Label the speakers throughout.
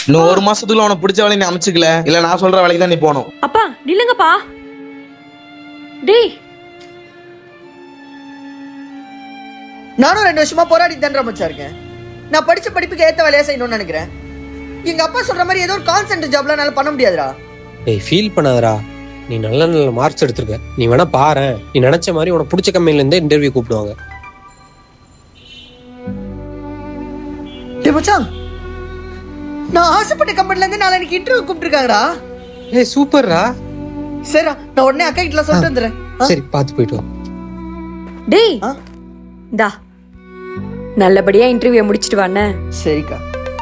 Speaker 1: இன்னும் ஒரு மாசத்துக்குள்ள உனக்கு பிடிச்ச வேலையை நீ அமைச்சுக்கல, இல்ல நான் சொல்ற வேலைக்கு தான் நீ போகணும்.
Speaker 2: அப்பா நில்லுங்கப்பா. டேய்,
Speaker 3: நானும் 2 வருஷமா போராடி தான்டா மச்சா இருக்கேன். நான் படிச்ச படிப்புக்கு ஏத்த வேலையா செய்யணும்னு நினைக்கிறேன். எங்க அப்பா சொல்ற மாதிரி ஏதோ ஒரு கான்சென்ட் ஜாப்ல என்னால பண்ண முடியாதுடா.
Speaker 4: டேய் ஃபீல் பண்ணாதடா, நீ நல்ல நல்ல மார்க்ஸ் எடுத்திருக்க. நீ வேணா பாரு, நீ நினைச்ச மாதிரி உனக்கு பிடிச்ச கம்பெனில இருந்தே இன்டர்வியூ கூப்பிடுவாங்க.
Speaker 3: டேய் மச்சான், நான் ஆசைப்பட்ட கம்பெனில இருந்து நாளைக்கு இன்டர்வியூ கூப்பிட்டுருக்காங்கடா.
Speaker 4: ஏய் சூப்பர்ரா.
Speaker 3: சரிடா, நான் உடனே அக்கா கிட்ட சொல்லிட்டு வந்துடுறேன்.
Speaker 4: சரி பார்த்து போயிட்டு வா.
Speaker 2: டேய் இந்தா நல்லபடியா இன்டர்வியூ முடிச்சிட்டு வாண்ணே.
Speaker 3: சரிக்கா.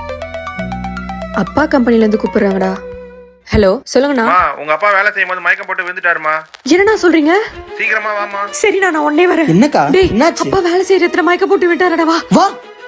Speaker 2: அப்பா கம்பெனில இருந்து கூப்பிடுறாங்கடா. ஹலோ சொல்லுங்கண்ணா.
Speaker 5: உங்க அப்பா வேலை செய்யும் போது மயக்கம் போட்டு விழுந்துட்டாருமா.
Speaker 2: என்னண்ணா சொல்றீங்க?
Speaker 5: சீக்கிரமா வாமா.
Speaker 2: சரிண்ணா, நான் உடனே வரேன்.
Speaker 3: என்னக்கா
Speaker 2: டேய்,
Speaker 3: என்னாச்சு?
Speaker 2: அப்பா வேலை செய்யற இடத்துல மயக்க போட்டு விட்டாரடா. வா
Speaker 3: வா.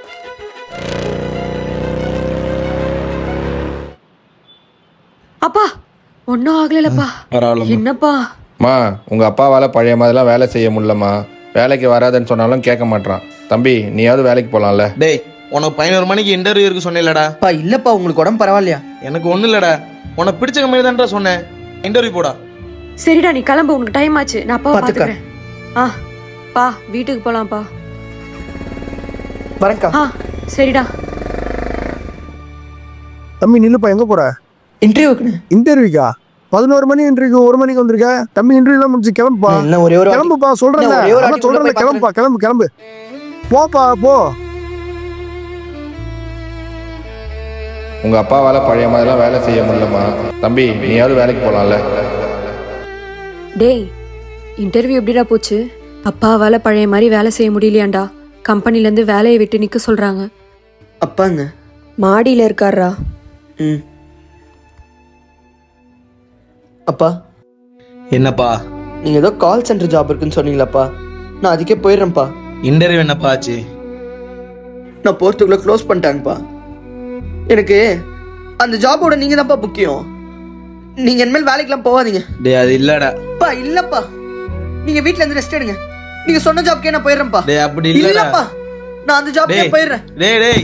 Speaker 2: அப்பா ஒன்னும் ஆகலப்பா.
Speaker 1: பரவாயில்லம்மா.
Speaker 2: என்னப்பா?
Speaker 5: மா உங்க அப்பாவால பழைய மாதிரிலாம் வேலை செய்ய முடியலமா. வேலைக்கு வராதுன்னு சொன்னாலும் கேட்க மாட்டான். தம்பி நீயாவது வேலைக்கு போலாம்ல.
Speaker 1: டேய், உனக்கு 11 மணிக்கு இன்டர்வியூ இருக்கு சொன்னேன்லடா.
Speaker 3: அப்பா இல்லப்பா, உங்களுக்கு உடம்பு பரவாயில்லையா?
Speaker 1: எனக்கு ஒண்ணு இல்லடா, உனக்கு பிடிச்ச கம்பெனி தான்டா சொன்னேன். இன்டர்வியூ போடா.
Speaker 2: சரிடா, நீ கிளம்பு, உனக்கு டைம் ஆச்சு. நான் அப்பாவை
Speaker 3: பாத்துக்க.
Speaker 2: பாத்துக்கிறேன். பா வீட்டுக்கு போலாம்ப்பா.
Speaker 3: வரேன்க்கா.
Speaker 2: சரிடா.
Speaker 6: தம்பி நில்லுப்பா, எங்க போற?
Speaker 3: இன்டர்வியூக்குன்னு
Speaker 6: இன்டர்வியூக்கா? 11 மணி இன்டர்வியூ, 1 மணிக்கு வந்திருக்க. தம்பி இன்டர்வியூலாம் முடிச்சு கிளம்புப்பா.
Speaker 3: இன்னும் ஒரே ஒரு
Speaker 6: கிளம்புப்பா, சொல்றேன்ல சொல்றேன்ல, கிளம்புப்பா, கிளம்பு போப்பா போ.
Speaker 5: உங்க அப்பாவால பழைய மாதிரிலாம் வேலை செய்ய முடியலமா. தம்பி நீயாவது வேலைக்கு போலாம்ல.
Speaker 2: டேய், இன்டர்வியூ எப்படிடா போச்சு? அப்பாவால பழைய மாதிரி வேலை செய்ய முடியலையாண்டா. கம்பெனில இருந்து வேலையை விட்டு நிக்க சொல்றாங்க.
Speaker 3: அப்பாங்க
Speaker 2: மாடியில இருக்காரா?
Speaker 3: ம். அப்பா
Speaker 1: என்னப்பா?
Speaker 3: நீங்க ஏதோ கால் சென்டர் ஜாப் இருக்குன்னு சொன்னீங்களாப்பா, நான் அதுக்கே போயிடுறேன்ப்பா.
Speaker 1: இன்டர்வியூ என்னப்பா ஆச்சு?
Speaker 3: நான் போறதுக்குள்ள க்ளோஸ் பண்ணிட்டாங்கப்பா. எனக்கு அந்த ஜாபோட நீங்க தான்ப்பா முக்கியம். நீங்க இனிமேல் வேலைக்கெல்லாம் போகாதீங்க.
Speaker 1: டேய் அது இல்லடா.
Speaker 3: அப்பா இல்லப்பா, நீங்க வீட்ல இருந்து ரெஸ்ட் எடுங்க. நீங்க சொன்ன ஜாப்க்கே நான் போயிடுறேன்ப்பா.
Speaker 1: டேய் அப்படி இல்லடா.
Speaker 3: இல்லப்பா, நான் அந்த ஜாப்க்கே
Speaker 1: டேய்
Speaker 3: போயிடுறேன்.
Speaker 1: டேய்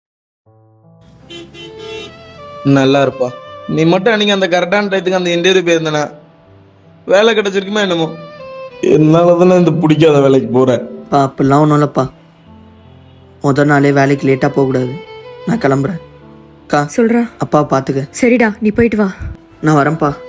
Speaker 1: நல்லா இருப்பா. நீ மட்டும் அன்னைக்கு அந்த கரெக்டான டயத்துக்கு அந்த இன்டர்வியூ போயிருந்தனா வேலை கிடைச்சிருக்குமா என்னமோ. என்னாலதானே இந்த பிடிக்காத வேலைக்கு போறேன்.
Speaker 3: அப்படிலாம் ஒன்றும் இல்லப்பா. முதல் நாளே வேலைக்கு லேட்டாக போகக்கூடாது. நான் கிளம்புறேன். அக்கா
Speaker 2: சொல்றா.
Speaker 3: அப்பா பார்த்துக்க.
Speaker 2: சரிடா, நீ போயிட்டு வா.
Speaker 3: நான் வரேன்ப்பா.